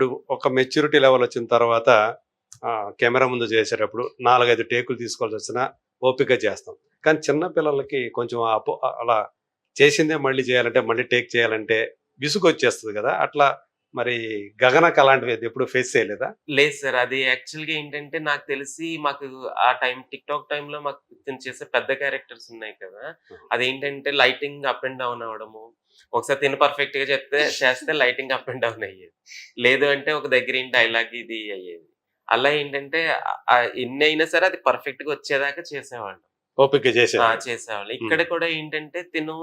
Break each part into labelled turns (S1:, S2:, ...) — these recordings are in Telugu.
S1: ఇప్పుడు ఒక మెచ్యూరిటీ లెవెల్ వచ్చిన తర్వాత కెమెరా ముందు చేసేటప్పుడు 4, 5 టేకులు తీసుకోవాల్సి వచ్చినా ఓపికగా చేస్తాం. కానీ చిన్న పిల్లలకి కొంచెం అలా చేసిందే మళ్ళీ చేయాలంటే, మళ్ళీ టేక్ చేయాలంటే విసుగొచ్చేస్తది గదా! అట్లా మరి 'గగనకు' అలాంటివి ఎప్పుడు ఫేస్ చేయలేదా?
S2: లేదు సార్. అది యాక్చువల్‌గా ఏంటంటే నాకు తెలిసి మాకు ఆ టిక్‌టాక్ టైమ్‌లో మాకు తిను చేసే పెద్ద క్యారెక్టర్స్ ఉన్నాయి కదా! అదేంటంటే లైటింగ్ అప్ అండ్ డౌన్ అవ్వడము. ఒకసారి తిను పర్ఫెక్ట్‌గా చేస్తే లైటింగ్ అప్ అండ్ డౌన్ అయ్యేది. లేదు అంటే ఒక దగ్గర ఏంటి డైలాగ్ ఇది అయ్యేది. అలా ఏంటంటే ఎన్నైనా సరే అది పర్ఫెక్ట్‌గా వచ్చేదాకా చేసేవాళ్ళం.
S1: ఓపికగా చేసేవాళ్ళు.
S2: చేసేవాళ్ళు.
S1: హ్మ్.
S2: ఇక్కడ కూడా ఏంటంటే తిను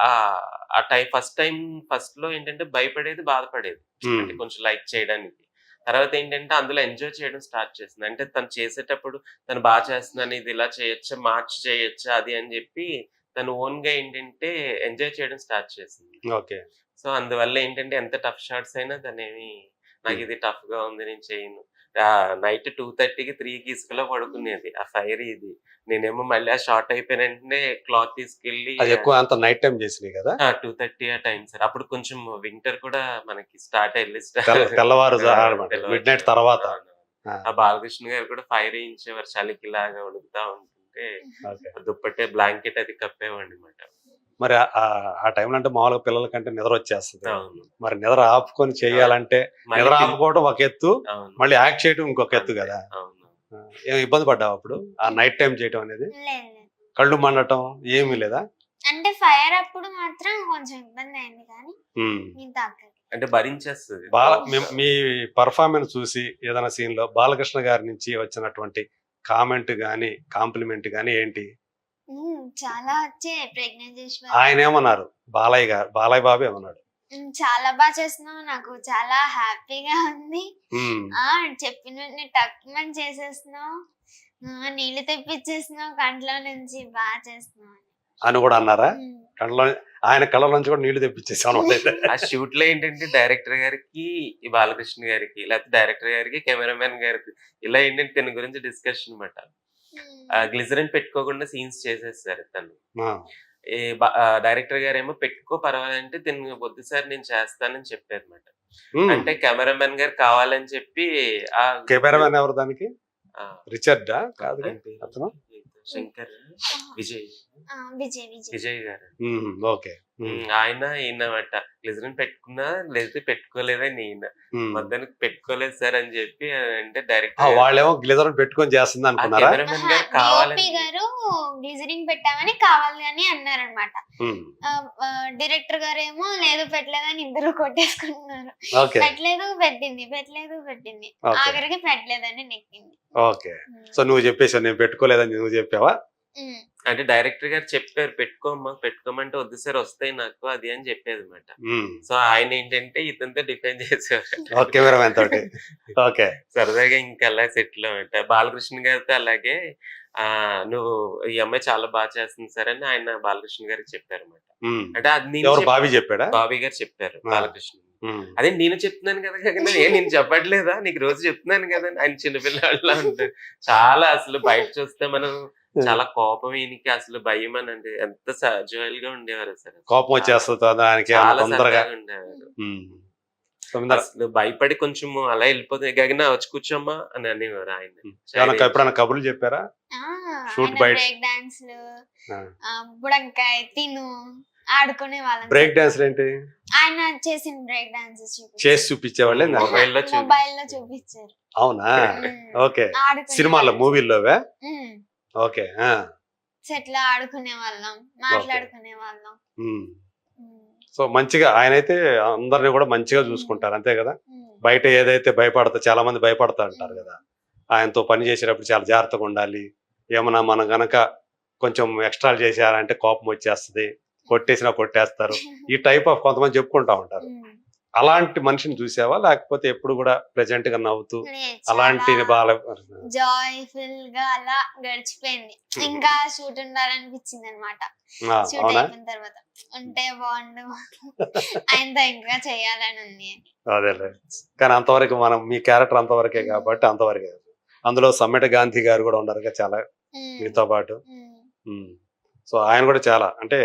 S2: ఆ ఫస్ట్‌లో ఏంటంటే భయపడేది, బాధపడేది. అంటే కొంచెం లైక్ చేయడానికి. తర్వాత ఏంటంటే అందులో ఎంజాయ్ చేయడం స్టార్ట్ చేసింది. అంటే తను చేసేటప్పుడు తను చేస్తున్నాను, ఇది ఇలా చేయొచ్చా, మార్చి చేయొచ్చా అది అని జెప్పి తను ఓన్‌గా ఏంటంటే ఎంజాయ్ చేయడం స్టార్ట్ చేసింది.
S1: ఓకే.
S2: సో, అందువల్ల ఏంటంటే ఎంత టఫ్ షాట్స్ అయినా తనేమి నాకిది టఫ్‌గా ఉంది నేను చేయను. నైట్ 2:30కి 3కి ఇసుకలో పడుకునేది. ఆ ఫైర్ ఇది. నేనేమో మళ్ళీ ఆ షార్ట్ అయిపోయిన వెంటనే క్లాత్ తీసుకెళ్ళి
S1: అది ఎక్కువ అంత నైట్ టైమ్ చేసినయి గదా!
S2: 2:30 ఆ టైం సార్. అప్పుడు కొంచెం వింటర్ కూడా మనకి స్టార్ట్ ఎర్లీ
S1: తెల్లవారు మిడ్‌నైట్
S2: తెల్లవారుజామున.
S1: తర్వాత.
S2: అవునవును.
S1: ఆ!
S2: ఆ బాలకృష్ణ గారు కూడా ఫైర్ ఎయించేవారు. చలికిలాగా వణుకుతా ఉంటుంటే
S1: ఓకే.
S2: దుప్పటే బ్లాంకెట్ అది కప్పేవాడినమాట.
S1: మరి ఆ టైంలో అంటే మామూలుగా పిల్లలకంటే నిద్రొచ్చేస్తది.
S2: అవును.
S1: మరి నిద్ర ఆపుకొని చేయాలంటే
S2: మళ్ళీ
S1: నిద్ర ఆపుకోవడం ఒక ఎత్తు,
S2: అవును.
S1: మళ్ళీ యాక్ట్ చేయడం ఇంకొక ఎత్తు
S2: అంతే.
S1: గదా!
S2: అవును.
S1: ఏమి ఇబ్బంది పడ్డావా అప్పుడు? ఆ నైట్ టైమ్ చేయటం అనేది?
S3: లేదు లేదు.
S1: కళ్ళు మండటం ఏమీ లేదా?
S3: అంటే ఫైర్ అప్పుడు మాత్రం కొంచెం ఇబ్బందయింది కానీ
S1: హ్మ్.
S3: మిగతా అక్కడికి.
S2: అంటే భరించేస్తది.
S1: మీ పెర్ఫార్మన్స్ చూసి ఏదైనా సీన్‌లో బాలకృష్ణ గారి నుంచి వచ్చినటువంటి కామెంట్ గాని, కాంప్లిమెంట్ గాని ఏంటి?
S3: చాలా వచ్చాయి ప్రెగ్నెన్సీ
S1: ఆయనేమన్నారు? బాలయ్య బాబు ఏమన్నాడు?
S3: చాలా బాగా చేస్తున్నావు. నాకు చాలా హ్యాపీగా ఉంది.
S1: హ్మ్.
S3: చెప్పిన వెంటనే టక్‌మని చేసేస్తున్నావు. నీళ్ళు తెప్పిచ్చేస్తున్నావు కంట్లో నుంచి బాగా చేస్తున్నావు
S1: అని గూడా అన్నారా?
S3: హ్మ్.
S1: ఆయన కళ్ళ నుంచి కూడా నీళ్లు తెప్పించేసావన్నమాట అయితే.
S2: ఆ షూట్‌లో ఏంటంటే డైరెక్టర్ గారికి, ఈ బాలకృష్ణ గారికి, లేకపోతే డైరెక్టర్ గారికి, కెమెరామాన్ గారికి ఇలా ఏంటంటే తిన గురించి డిస్కషన్ మాట. గ్లిజరిన్ పెట్టుకోకుండా సీన్స్ చేసేసారు తను.
S1: ఆ!
S2: డైరెక్టర్ గారేమో పెట్టుకో పర్వాలంటే తిను వద్దు సార్ నేను చేస్తానని చెప్పారన్నమాట.
S1: హ్మ్.
S2: అంటే కెమెరామాన్ గారు కావాలని చెప్పి
S1: కెమెరామాన్ ఎవరు దానికి?
S2: ఆ!
S1: రిచర్డా? కాదుగా
S2: ఆయన పేరు
S1: అతను?
S2: శంకర్, విజయ్.
S3: విజయ్.
S2: విజయ్ గారు.
S1: ఓకే.
S2: ఈయనమాట. గ్లిజరిన్ పెట్టుకున్నా లేకపోతే పెట్టుకోలేదని ఈయన. మొత్తానికి పెట్టుకోలేదు సార్ అని చెప్పి అంటే డైరెక్టర్
S1: వాళ్ళేమో గ్లిజరిన్ పెట్టుకొని చేస్తుంది అనుకున్నారా?
S2: కెమెరామెన్ గారు కావాలని
S3: గారు గ్లిజరింగ్ పెట్టామని కావాలని అన్నారనమాట. డైరెక్టర్ గారేమో లేదు పెట్టలేదని ఇద్దరు కొట్టేసుకుంటున్నారు. పెట్టలేదు పెట్టింది ఆఖరికి పెట్టలేదని నెక్కింది.
S1: ఓకే. సో నువ్వు చెప్పేసావు నేను పెట్టుకోలేదని నువ్వు చెప్పావా?
S2: అంటే డైరెక్టర్ గారు చెప్పారు పెట్టుకోమంటే వద్దు సార్ వస్తాయి నాకు అది అని చెప్పేది అనమాట. సో ఆయన ఏంటంటే ఇతనితో డిఫెండ్ చేసేవారు
S1: కెమెరామెన్ తోటి. ఓకే.
S2: సరదాగా ఇంకా అలా సెటిల్ అన్నమాట. బాలకృష్ణ గారితో అలాగే నువ్వు ఈ అమ్మాయి చాలా బాగా చేస్తుంది సార్ అని ఆయన బాలకృష్ణ గారికి చెప్పారన్నమాట. అంటే అది
S1: బాబీ చెప్పాడా?
S2: బాబీ గారు చెప్పారు బాలకృష్ణ. అదే నేను చెప్తున్నాను కదా నేను చెప్పట్లేదా నీకు రోజు చెప్తున్నాను కదా ఆయన చిన్నపిల్లలా ఉంటారు. చాలా అసలు బయట చూస్తే మనం చాలా కోపం ఈయనకి అసలు భయం అని అంటే ఎంత జోయల్ గా ఉండేవారు అసలు.
S1: కోపం వచ్చేస్తుంది దానికి
S2: చాలా సరదాగా ఉండేవారు. అసలు భయపడి కొంచెం అలా వెళ్ళిపోతుంది గగన వచ్చి కూర్చోమ్మా అని అనేవారు ఆయన.
S1: ఎప్పుడైనా కబుర్లు చెప్పారా? షూట్ బయట
S3: బ్రేక్ డాన్స్లు, బుడంకాయ తిను ఆడుకునే వాళ్ళం.
S1: బ్రేక్ డాన్స్ ఏంటి?
S3: ఆయన చేసిన బ్రేక్ డాన్స్
S1: చేసి చూపించేవాళ్ళే
S3: మొబైల్లో చూపించారు.
S1: అవునా? ఓకే. సినిమాల్లో మూవీల్లోవే? ఓకే.
S3: సెట్లో ఆడుకునే వాళ్ళం, మాట్లాడుకునే వాళ్ళం.
S1: సో మంచిగా ఆయనైతే అందరిని కూడా మంచిగా చూసుకుంటారు అంతే కదా? బయట ఏదైతే చాలా మంది భయపడతా అంటారు కదా, ఆయనతో పని చేసేటప్పుడు చాలా జాగ్రత్తగా ఉండాలి. ఏమన్నా మనం గనక కొంచెం ఎక్స్ట్రాలు చేశారంటే కోపం వచ్చేస్తుంది, కొట్టేసినా కొట్టేస్తారు, ఈ టైప్ ఆఫ్ కొంతమంది చెప్పుకుంటా ఉంటారు. అలాంటి మనిషిని చూసావా లేకపోతే ఎప్పుడు కూడా ప్రెజెంట్ గా నవ్వుతూ అలాంటి
S3: జాయ్ఫుల్ గా అలా గడిచిపోయింది. ఇంకా షూట్ ఉండాలనిపించింది అనమాట. షూట్ అయిపోయిన తర్వాత ఉంటే బాగుండు ఆయనతో ఇంకా చేయాలని ఉంది.
S1: అదేలే, కానీ అంతవరకు మనం మీ క్యారెక్టర్ అంతవరకే కాబట్టి అంతవరకే. అందులో సమ్మెట గాంధీ గారు కూడా ఉన్నారు చాలా మీతో పాటు. సో ఆయన కూడా చాలా అంటే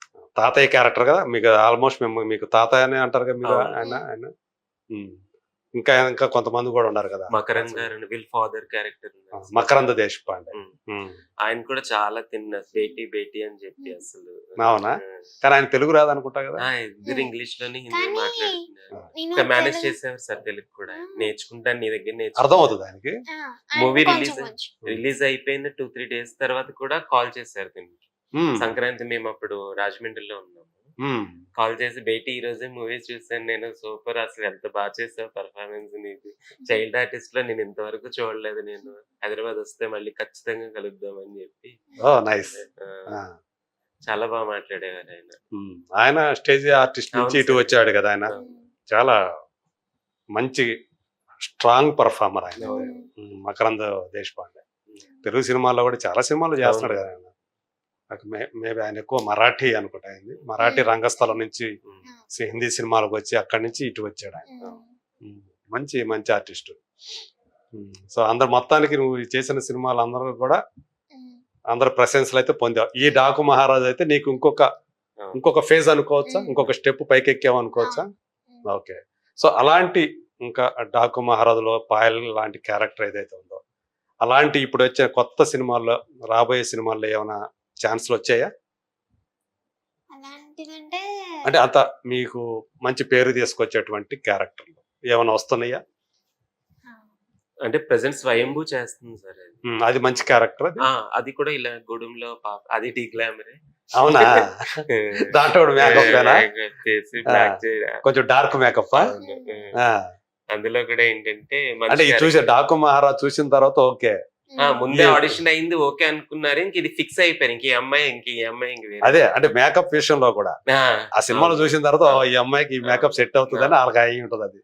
S1: తాతయ్య క్యారెక్టర్ కదా మీకు, ఆల్మోస్ట్ మీకు తాతయ్య అనే అంటారు కదా మీరు ఆయన. ఇంకా ఇంకా కొంతమంది కూడా ఉన్నారు కదా,
S2: మకరంద్ గారు వీళ్ళ ఫాదర్ క్యారెక్టర్
S1: మకరంద దేశపాండే.
S2: ఆయన కూడా చాలా తిన్న బేటీ బేటీ అని చెప్పి అసలు.
S1: అవునా? కానీ ఆయన తెలుగు రాదనుకుంటా కదా.
S2: ఇద్దరు ఇంగ్లీష్ లోనే హిందీ
S3: కానీ
S2: మాట్లాడుతున్నారు. మేనేజ్ చేసేవారు సార్ తెలుగు కూడా. నేర్చుకుంటాను నీ దగ్గర
S1: అర్థం అవుతుంది ఆయనకి.
S2: మూవీ రిలీజ్ అయిపోయిన 2-3 days తర్వాత కూడా కాల్ చేశారు దీనికి. సంక్రాంతి మేము అప్పుడు రాజమండ్రిలో ఉన్నాము. కాల్ చేసి బేటీ ఈ రోజే మూవీ చూసాను నేను, సూపర్, అసలు ఎంత బాగా చేసావు పర్ఫార్మెన్స్ నీది, చైల్డ్ ఆర్టిస్ట్ లో నేను ఇంతవరకు చూడలేదు, నేను హైదరాబాద్ వస్తే మళ్ళీ ఖచ్చితంగా కలుద్దాం అని చెప్పి. చాలా బాగా మాట్లాడేవారు ఆయన.
S1: ఆయన స్టేజ్ ఆర్టిస్ట్ నుంచి ఇటు వచ్చాడు కదా, ఆయన చాలా మంచి స్ట్రాంగ్ పర్ఫార్మర్ ఆయన మకరంద దేశపాండే. తెలుగు సినిమాల్లో కూడా చాలా సినిమాలు చేస్తున్నాడు కదా ఆయన. మేబీ ఆయన ఎక్కువ మరాఠీ అనుకుంటా అయింది, మరాఠీ రంగస్థలం నుంచి హిందీ సినిమాలకు వచ్చి అక్కడి నుంచి ఇటు వచ్చాడు ఆయన. మంచి మంచి ఆర్టిస్ట్. సో అందరు మొత్తానికి నువ్వు చేసిన సినిమాలు అందరూ కూడా అందరు ప్రశంసలు అయితే పొందావు. ఈ డాకు మహారాజ్ అయితే నీకు ఇంకొక ఫేజ్ అనుకోవచ్చా, ఇంకొక స్టెప్ పైకి ఎక్కావు అనుకోవచ్చా? ఓకే. సో అలాంటి ఇంకా డాకు మహారాజులో పాయల్ లాంటి క్యారెక్టర్ ఏదైతే ఉందో, అలాంటి ఇప్పుడు వచ్చే కొత్త సినిమాల్లో రాబోయే సినిమాల్లో ఏమైనా ఛాన్స్లు వచ్చాయా? అంటే అంత మీకు మంచి పేరు తీసుకొచ్చేటువంటి క్యారెక్టర్లు ఏమైనా వస్తున్నాయా?
S2: అంటే ప్రెసెంట్ స్వయంభూ చేస్తుంది సార్
S1: అది మంచి క్యారెక్టర్.
S2: అది కూడా ఇలా గూడెంలో పాప, అది టీ గ్లామరే.
S1: అవునా? దాంట్లో కొంచెం డార్క్ మేకప్.
S2: అందులో కూడా ఏంటంటే
S1: అంటే చూసే డాకు మహారాజ్ చూసిన తర్వాత ఓకే,
S2: ముందే ఆడిషన్ అయింది, ఓకే అనుకున్నారు, ఇంక ఇది ఫిక్స్ అయిపోయారు, ఇంక ఈ అమ్మాయి
S1: అదే. అంటే మేకప్ విషయంలో కూడా ఆ సినిమాలో చూసిన తర్వాత ఈ అమ్మాయికి ఈ మేకప్ సెట్ అవుతుందని వాళ్ళకి అయి ఉంటుంది అది.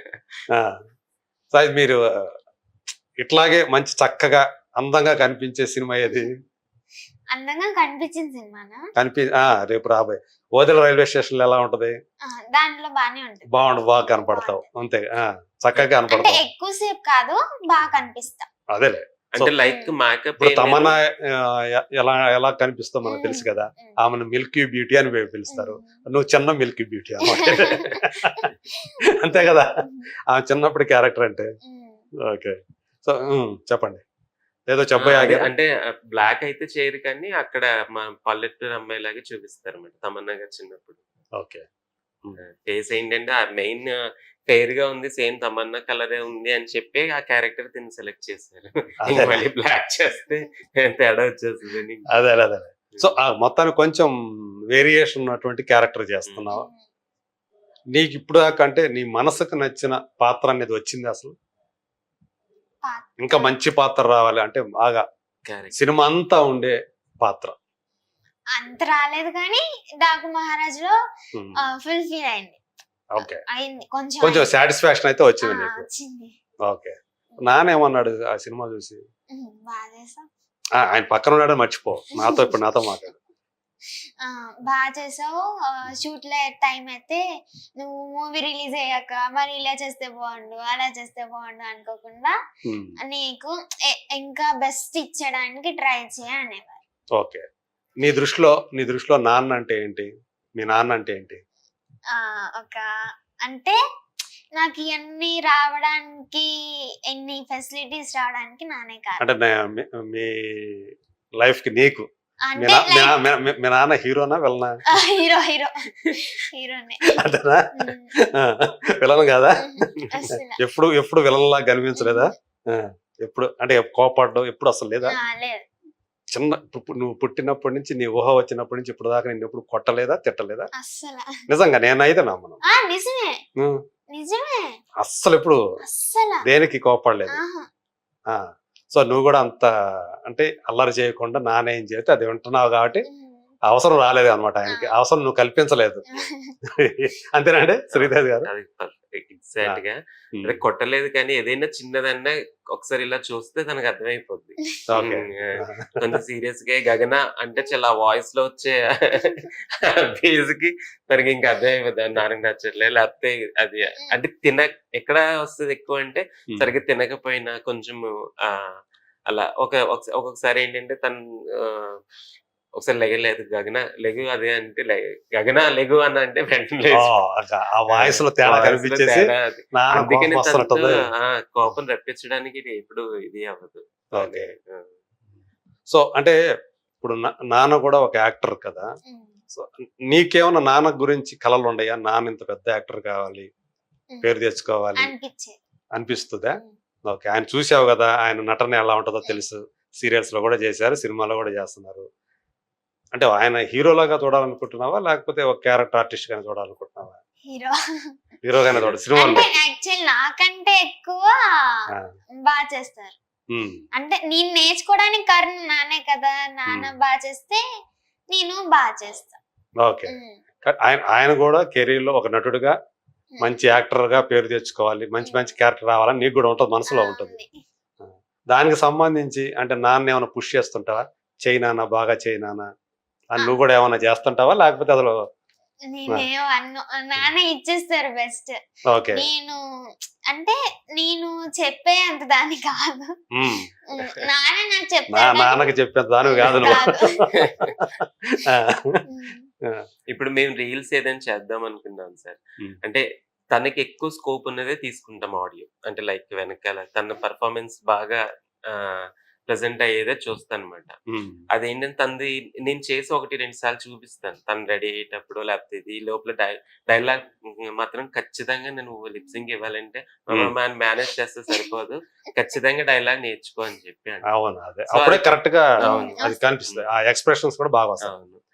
S1: సో అది మీరు ఇట్లాగే మంచి చక్కగా అందంగా కనిపించే సినిమా ఏది?
S3: అందంగా కనిపించిన సినిమా
S1: రేపు రాబోయే ఓదెల రైల్వే స్టేషన్ లో ఎలా ఉంటది?
S3: దాంట్లో బానే ఉంటుంది.
S1: బాగా కనపడతావు అంతే, చక్కగా కనపడతావు.
S3: ఎక్కువసేపు కాదు, బాగా కనిపిస్తా.
S1: అదేలే.
S2: అంటే లైక్ మేకప్.
S1: ఇప్పుడు తమన్నా ఎలా కనిపిస్తావు మనకు తెలుసు కదా, ఆమెను మిల్కీ బ్యూటీ అని పిలుస్తారు, నువ్వు చిన్న మిల్కీ బ్యూటీ అన్నమాట. అంతే కదా ఆమె చిన్నప్పుడు క్యారెక్టర్ అంటే. ఓకే. సో చెప్పండి, ఏదో చెప్పాలి.
S2: అంటే బ్లాక్ అయితే చేయరు కానీ అక్కడ మా పల్లెటూరు అమ్మాయి లాగా చూపిస్తారు అన్నమాట తమన్నా గారు చిన్నప్పుడు.
S1: ఓకే.
S2: ఫేస్ ఏంటంటే మెయిన్ ఫెయిర్ గా ఉంది, సేమ్ తమన్నా కలరే ఉంది అని చెప్పి ఆ క్యారెక్టర్ తిని సెలెక్ట్ చేశారు. మళ్ళీ బ్లాక్ చేస్తే తేడా వచ్చేస్తుంది.
S1: అదే. సో మొత్తానికి కొంచెం వేరియేషన్ ఉన్నటువంటి క్యారెక్టర్ చేస్తున్నావు. నీకు ఇప్పుడు దాకా అంటే నీ మనసుకు నచ్చిన పాత్ర అనేది వచ్చింది అసలు? ఇంకా మంచి పాత్ర రావాలి అంటే బాగా సినిమా అంతా ఉండే పాత్ర
S3: అంత రాలేదు కానీ డాకు మహారాజ్ లో ఫుల్ ఫీల్ అయింది.
S1: ఓకే.
S3: అయింది,
S1: కొంచెం సాటిస్ఫాక్షన్ అయితే వచ్చింది నీకు. ఓకే. నానేమన్నాడు ఆ సినిమా చూసి? ఆయన పక్కన ఉన్నాడు మర్చిపో, ఇప్పుడు నాతో మాట్లాడు.
S3: బాగా చేసావు, షూట్ లో టైం అయితే నువ్వు మూవీ రిలీజ్ అయ్యాక మరి ఇలా చేస్తే బాగుండు, అలా చేస్తే బాగుండు అనుకోకుండా నీకు ఇంకా బెస్ట్ ఇచ్చడానికి ట్రై అనేవారు.
S1: ఓకే. నీ దృష్టిలో నాన్న అంటే ఏంటి? మీ నాన్న అంటే ఏంటి?
S3: అంటే నాకు ఇవన్నీ రావడానికి, ఎన్ని ఫెసిలిటీస్ రావడానికి నానే కాదు.
S1: అంటే మీ లైఫ్ కి నీకు మీ నాన్న హీరోనా విలనా?
S3: హీరోనే.
S1: అదేనా? విలన్ కాదా? ఎప్పుడు విలన్ లాగా కనిపించలేదా? ఎప్పుడు అంటే కోపడ్డం ఎప్పుడు అసలు లేదా? చిన్న నువ్వు పుట్టినప్పటి నుంచి, నీ ఊహ వచ్చినప్పటి నుంచి ఇప్పుడు దాకా నిన్ను ఎప్పుడు కొట్టలేదా, తిట్టలేదా? నిజంగా నేనైతే నమ్మను. అస్సలు ఎప్పుడు దేనికి కోపడలేదు. సో నువ్వు కూడా అంత అంటే అల్లరి చేయకుండా నానేం చేస్తే అది వింటున్నావు కాబట్టి అవసరం రాలేదు అనమాట ఆయనకి, అవసరం నువ్వు కల్పించలేదు. అంతేనండి శ్రీదేవి గారు?
S2: ఎగ్జాక్ట్ గా కొట్టలేదు కానీ ఏదైనా చిన్నదన్నా ఒకసారి ఇలా చూస్తే తనకు అర్థమైపోద్ది. కొంచెం సీరియస్ గా గగన అంటే చాలా వాయిస్ లో వచ్చే బేస్ కి తనకి ఇంకా అర్థమైపోద్ది, నాన్నకి నచ్చట్లేదు లేకపోతే అది అంటే ఎక్కడ వస్తుంది ఎక్కువ అంటే సరిగ్గా తినకపోయినా కొంచెం అలా ఒక్కొక్కసారి ఏంటంటే తను ఒకసారి లెగలేదు గగన లెగు అదే అంటే గగన లెగు అని అంటే వెంటనే
S1: ఓ, ఆ వాయిస్ లో తేడా కనిపించేసి నాన్న
S2: అందుకని
S1: కోపం వస్తున్నట్టుంది.
S2: కోపం రప్పించడానికి ఇది ఎప్పుడు ఇది అవ్వదు.
S1: ఓకే. సో అంటే ఇప్పుడు నాన్న కూడా ఒక యాక్టర్ కదా. సో నీకేమన్నా నాన్న గురించి కలలు ఉన్నాయా? నాన్న ఇంత పెద్ద యాక్టర్ కావాలి, పేరు తెచ్చుకోవాలి
S3: అనిపించేది.
S1: అనిపిస్తుందా? ఓకే. ఆయన చూసావు కదా, ఆయన నటన ఎలా ఉంటుందో తెలుసు. సీరియల్స్ లో కూడా చేశారు, సినిమాలో కూడా చేస్తున్నారు. అంటే ఆయన హీరోలాగా చూడాలనుకుంటున్నావా, లేకపోతే ఒక క్యారెక్టర్ ఆర్టిస్ట్ గానే చూడాలనుకుంటున్నావా?
S3: హీరో
S1: హీరోగానే చూడ సినిమాలో.
S3: అంటే యాక్చువల్ నాకంటే ఎక్కువ బాగా చేస్తారు. అంటే నేను నేర్చుకోవడానికి కారణం నానే కదా. నాన్న బాగా చేస్తే నేను బాగా చేస్తా.
S1: ఓకే. ఆయన కూడా కెరీర్ లో ఒక నటుడుగా మంచి యాక్టర్ గా పేరు తెచ్చుకోవాలి, మంచి మంచి క్యారెక్టర్ రావాలని నీకు కూడా ఉంటుంది, మనసులో ఉంటుంది. దానికి సంబంధించి అంటే నాన్న ఏమైనా పుష్ చేస్తుంటావా? చైనానా, బాగా చైనానా అని నువ్వు కూడా ఏమైనా చేస్తుంటావా, లేకపోతే అసలు?
S3: నేనేమో నాన్న ఇచ్చేస్తారు బెస్ట్.
S1: ఓకే.
S3: నేను అంటే నేను చెప్పే అంత దాని కాదు. నాన్న నాకు చెప్తాడు.
S1: నాన్నకి చెప్పేంత దాని కాదు నువ్వు.
S2: ఇప్పుడు మేము రీల్స్ ఏదైనా చేద్దాం అనుకున్నాం సార్. అంటే తనకి ఎక్కువ స్కోప్ ఉన్నదే తీసుకుంటాం ఆడియో. అంటే లైక్ వెనకాల తన పర్ఫార్మెన్స్ బాగా ప్రెసెంట్ అయ్యేదే చూస్తాను అనమాట. అదేంటంటే తనది నేను చేసి 1-2 సార్లు చూపిస్తాను. తను రెడీ అయ్యేటప్పుడు లేకపోతే ఇది లోపల డైలాగ్ మాత్రం ఖచ్చితంగా నేను లిప్సింగ్ ఇవ్వాలంటే మేనేజ్ చేస్తే సరిపోదు, ఖచ్చితంగా డైలాగ్ నేర్చుకో అని చెప్పి.
S1: అవును, అదే అప్పుడే కరెక్ట్ గా అది కనిపిస్తుంది. ఆ ఎక్స్ప్రెషన్స్ కూడా బాగా వస్తాయి.